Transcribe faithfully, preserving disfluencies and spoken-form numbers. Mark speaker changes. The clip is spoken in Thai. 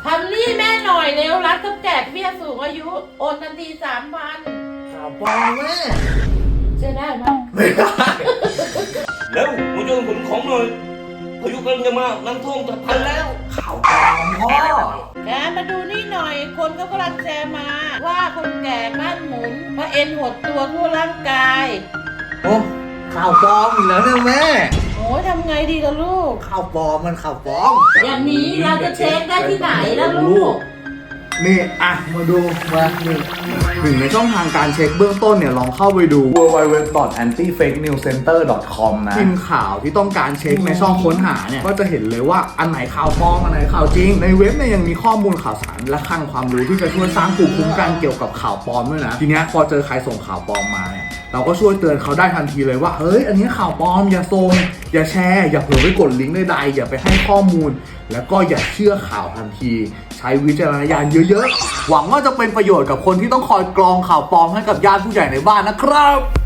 Speaker 1: ทำหนี้แม่หน่อยเร็วรัฐต้องแจกเบี้ยสูงอายุโอนทันทีสามพัน
Speaker 2: ข่าวปลอมแม่
Speaker 1: เชื่อได้ไหม
Speaker 2: ไม่ได้
Speaker 3: แล้วมาช่วยขนของหน่อยพายุกำลังจะมาน้ำท่วมจะพันแล้ว
Speaker 2: ข่าวปลอมพ่อ
Speaker 1: แกมาดูนี่หน่อยคนก็กำลังแชร์มาว่าคนแก่บ้านหมุนเพราะเอ็นหดตัวทั่วร่างกาย
Speaker 2: โอ้ข่าวปลอมอีกแล้วเนี่ยแม่
Speaker 1: โอ้ยทำไงดีล่ะลูก
Speaker 2: ข่าวปลอมมันข่าวปลอม
Speaker 1: อย่างนี้เราจะเช็คได้ที่ไหนล่ะลูก
Speaker 2: นี่อ่ะมาดูมาหนึ่งหนึ่งในช่องทางการเช็คเบื้องต้นเนี่ยลองเข้าไปดู ดับเบิลยู ดับเบิลยู ดับเบิลยู ดอท แอนตี้ เฟค นิวส์ เซ็นเตอร์ ดอท คอม นะพิมพ์ข่าวที่ต้องการเช็คในช่องค้นหาเนี่ยก็จะเห็นเลยว่าอันไหนข่าวปลอมอันไหนข่าวจริงในเว็บเนี่ยยังมีข้อมูลข่าวสารและคลังความรู้ที่จะช่วยสร้างภูมิคุ้มกันเกี่ยวกับข่าวปลอมด้วยนะทีเนี้ยพอเจอใครส่งข่าวปลอมมาเนี่ยเราก็ช่วยเตือนเขาได้ทันทีเลยว่าเฮ้ยอันนี้ข่าวปลอมอย่าส่งอย่าแชร์อย่าเผลอไปกดลิงก์ใดๆอย่าไปให้ข้อมูลแล้วก็อย่าเชื่อข่าวทันทีใช้วิจารณญาณเยอะๆหวังว่าจะเป็นประโยชน์กับคนที่ต้องคอยกรองข่าวปลอมให้กับญาติผู้ใหญ่ในบ้านนะครับ